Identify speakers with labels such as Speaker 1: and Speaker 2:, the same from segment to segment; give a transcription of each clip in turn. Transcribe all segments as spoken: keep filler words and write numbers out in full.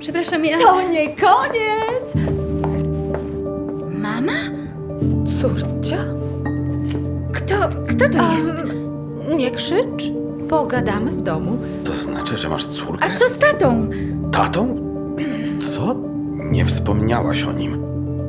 Speaker 1: Przepraszam, ja...
Speaker 2: To nie koniec!
Speaker 1: Mama?
Speaker 2: Córcia?
Speaker 1: Kto, kto to jest?
Speaker 2: Em, nie krzycz. Pogadamy w domu.
Speaker 3: To znaczy, że masz córkę?
Speaker 1: A co z tatą?
Speaker 3: Tatą? Co? Nie wspomniałaś o nim.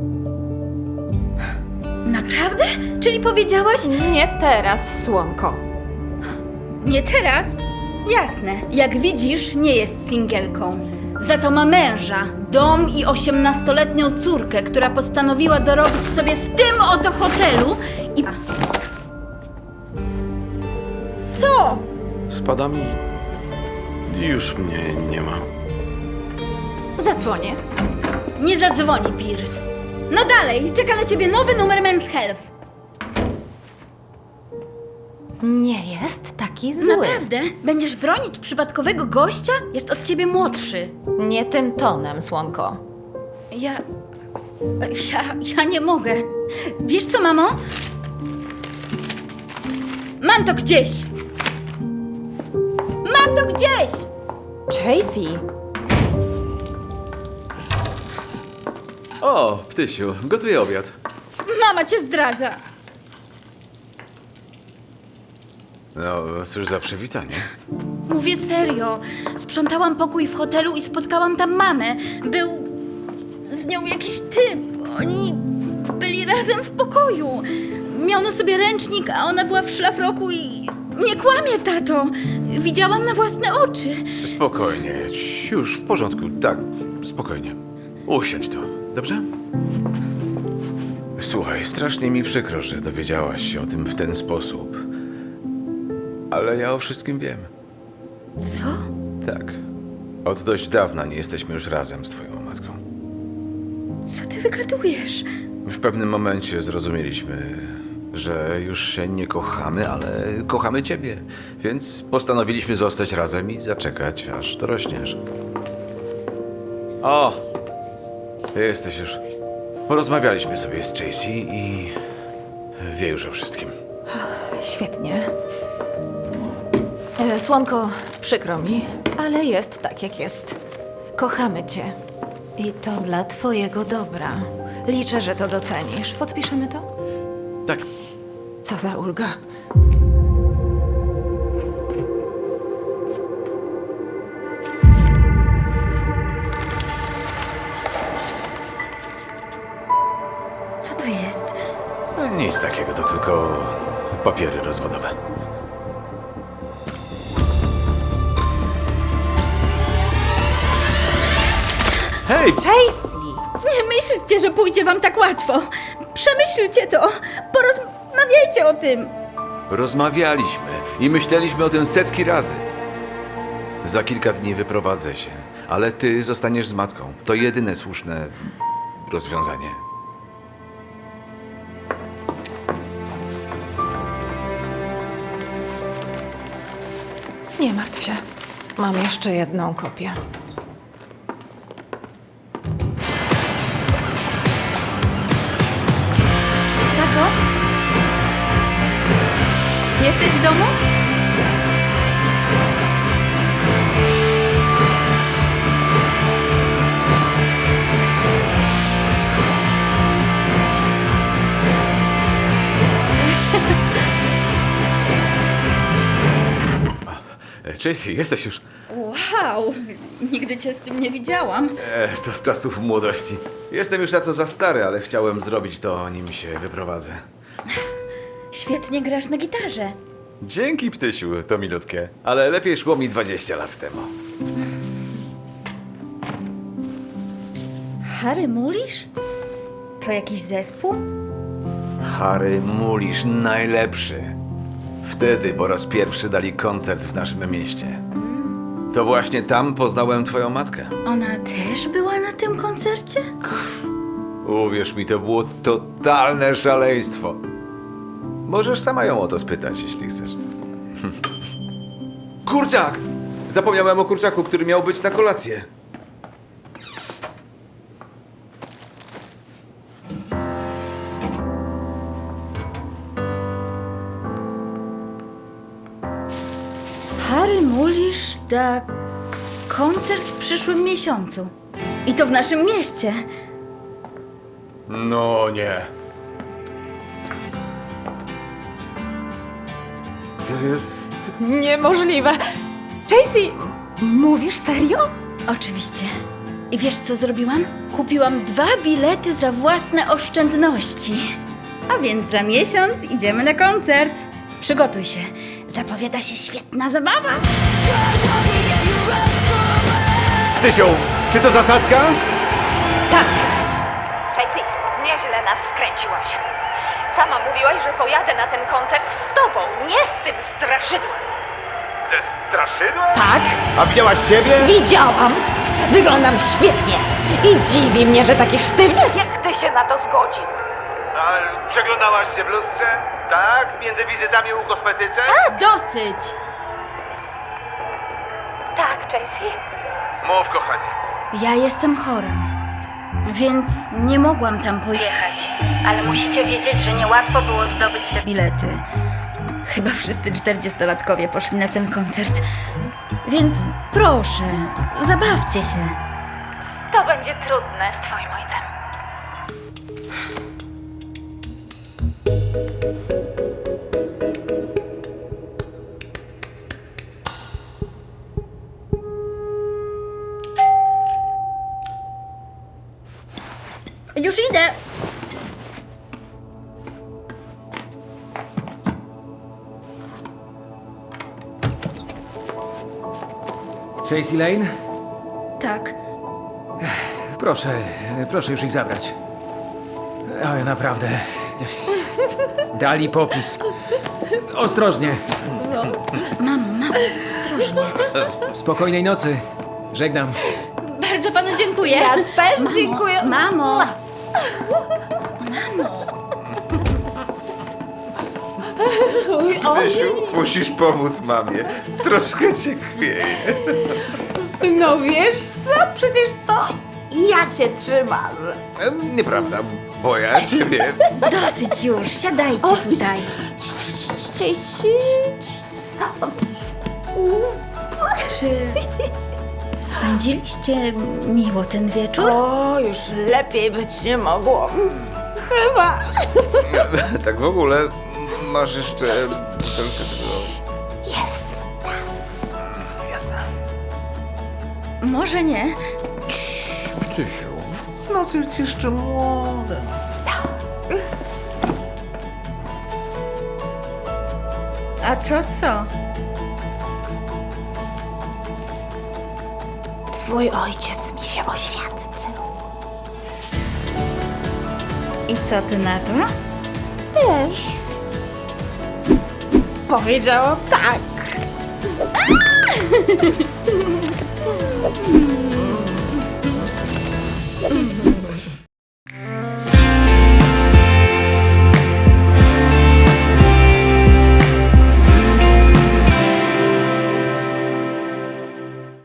Speaker 1: Naprawdę? Czyli powiedziałaś...
Speaker 2: Nie teraz, słonko.
Speaker 1: Nie teraz? Jasne. Jak widzisz, nie jest singielką. Za to ma męża, dom i osiemnastoletnią córkę, która postanowiła dorobić sobie w tym oto hotelu i... Co?
Speaker 3: Spada mi... Już mnie nie ma.
Speaker 2: Zadzwonię.
Speaker 1: Nie zadzwoni, Pierce. No dalej, czeka na ciebie nowy numer Men's Health.
Speaker 2: Nie jest taki zły.
Speaker 1: Naprawdę? Będziesz bronić przypadkowego gościa? Jest od ciebie młodszy.
Speaker 2: Nie tym tonem, słonko.
Speaker 1: Ja... Ja... ja nie mogę. Wiesz co, mamo? Mam to gdzieś! Mam to gdzieś!
Speaker 2: Tracy!
Speaker 4: O, Ptysiu, gotuję obiad.
Speaker 1: Mama cię zdradza.
Speaker 4: No, cóż za przywitanie.
Speaker 1: Mówię serio. Sprzątałam pokój w hotelu i spotkałam tam mamę. Był z nią jakiś typ. Oni byli razem w pokoju. Miał na sobie ręcznik, a ona była w szlafroku i... Nie kłamie, tato. Widziałam na własne oczy.
Speaker 4: Spokojnie, ci- już w porządku, tak, spokojnie. Usiądź tu, dobrze? Słuchaj, strasznie mi przykro, że dowiedziałaś się o tym w ten sposób. Ale ja o wszystkim wiem.
Speaker 1: Co?
Speaker 4: Tak. Od dość dawna nie jesteśmy już razem z twoją matką.
Speaker 1: Co ty wygadujesz?
Speaker 4: W pewnym momencie zrozumieliśmy, że już się nie kochamy, ale kochamy ciebie. Więc postanowiliśmy zostać razem i zaczekać, aż dorośniesz. O! Jesteś już. Porozmawialiśmy sobie z Tracy i wie już o wszystkim.
Speaker 2: Świetnie. E, Słonko, przykro mi, ale jest tak, jak jest. Kochamy cię. I to dla twojego dobra. Liczę, że to docenisz. Podpiszemy to?
Speaker 4: Tak.
Speaker 2: Co za ulga.
Speaker 1: Co to jest?
Speaker 4: Nic takiego, to tylko papiery rozwodowe. Hej!
Speaker 2: Tracy!
Speaker 1: Nie myślcie, że pójdzie wam tak łatwo. Przemyślcie to. Porozmawiajcie o tym.
Speaker 4: Rozmawialiśmy i myśleliśmy o tym setki razy. Za kilka dni wyprowadzę się, ale ty zostaniesz z matką. To jedyne słuszne rozwiązanie.
Speaker 2: Nie martw się. Mam jeszcze jedną kopię.
Speaker 1: Tato? Jesteś w domu?
Speaker 4: Tracy, jesteś już.
Speaker 1: Wow, nigdy cię z tym nie widziałam.
Speaker 4: E, to z czasów młodości. Jestem już na to za stary, ale chciałem zrobić to, nim się wyprowadzę.
Speaker 1: Świetnie grasz na gitarze.
Speaker 4: Dzięki, Ptysiu, to milutkie. Ale lepiej szło mi dwadzieścia lat temu.
Speaker 1: Harry Mulisz? To jakiś zespół?
Speaker 4: Harry Mulisz najlepszy. Wtedy po raz pierwszy dali koncert w naszym mieście. To właśnie tam poznałem twoją matkę.
Speaker 1: Ona też była na tym koncercie?
Speaker 4: Uwierz mi, to było totalne szaleństwo. Możesz sama ją o to spytać, jeśli chcesz. Kurczak! Zapomniałem o kurczaku, który miał być na kolację.
Speaker 1: Harry Mulisz da koncert w przyszłym miesiącu. I to w naszym mieście.
Speaker 4: No nie. To jest...
Speaker 2: Niemożliwe. Tracy, mówisz serio?
Speaker 1: Oczywiście. I wiesz, co zrobiłam? Kupiłam dwa bilety za własne oszczędności. A więc za miesiąc idziemy na koncert. Przygotuj się. Zapowiada się świetna zabawa.
Speaker 4: Tysiu, czy to zasadka?
Speaker 2: Tak. Tracy, nieźle nas wkręciłaś. Sama mówiłaś, że pojadę na ten koncert z tobą, nie z tym straszydłem.
Speaker 4: Ze straszydła?
Speaker 2: Tak,
Speaker 4: A widziałaś siebie?
Speaker 2: widziałam. Wyglądam świetnie. I dziwi mnie, że taki sztywniak jak ty się na to zgodził.
Speaker 4: A przeglądałaś się w lustrze? Tak? Między wizytami u kosmetyczek?
Speaker 1: Dosyć!
Speaker 2: Tak, Tracy.
Speaker 4: Mów, kochanie.
Speaker 1: Ja jestem chora, więc nie mogłam tam pojechać. Ale musicie wiedzieć, że niełatwo było zdobyć te bilety. Chyba wszyscy czterdziestolatkowie poszli na ten koncert. Więc proszę, zabawcie się.
Speaker 2: To będzie trudne z twoim ojcem.
Speaker 1: Już idę!
Speaker 5: Tracy Lane?
Speaker 1: Tak.
Speaker 5: Proszę, proszę już ich zabrać. Ale naprawdę. Dali popis. Ostrożnie.
Speaker 1: Mamo, mamo, ostrożnie.
Speaker 5: Spokojnej nocy. Żegnam.
Speaker 1: Bardzo panu dziękuję.
Speaker 2: Ja też dziękuję.
Speaker 1: Mamo!
Speaker 4: Tysiu, musisz pomóc mamie. Troszkę się chwieje.
Speaker 2: No wiesz co? Przecież to ja cię trzymam.
Speaker 4: Em, Nieprawda, bo ja ciebie...
Speaker 1: Dosyć już, siadajcie tutaj. Czy spędziliście miło ten wieczór?
Speaker 2: O, już lepiej być nie mogło. Chyba.
Speaker 4: Tak w ogóle, masz jeszcze butelkę tego...
Speaker 2: Jest.
Speaker 1: Może nie.
Speaker 4: Tysiu, noc jest jeszcze młoda.
Speaker 1: A to co?
Speaker 2: Twój ojciec mi się oświadczył.
Speaker 1: I co ty na to?
Speaker 2: Wiesz. Powiedziałam tak.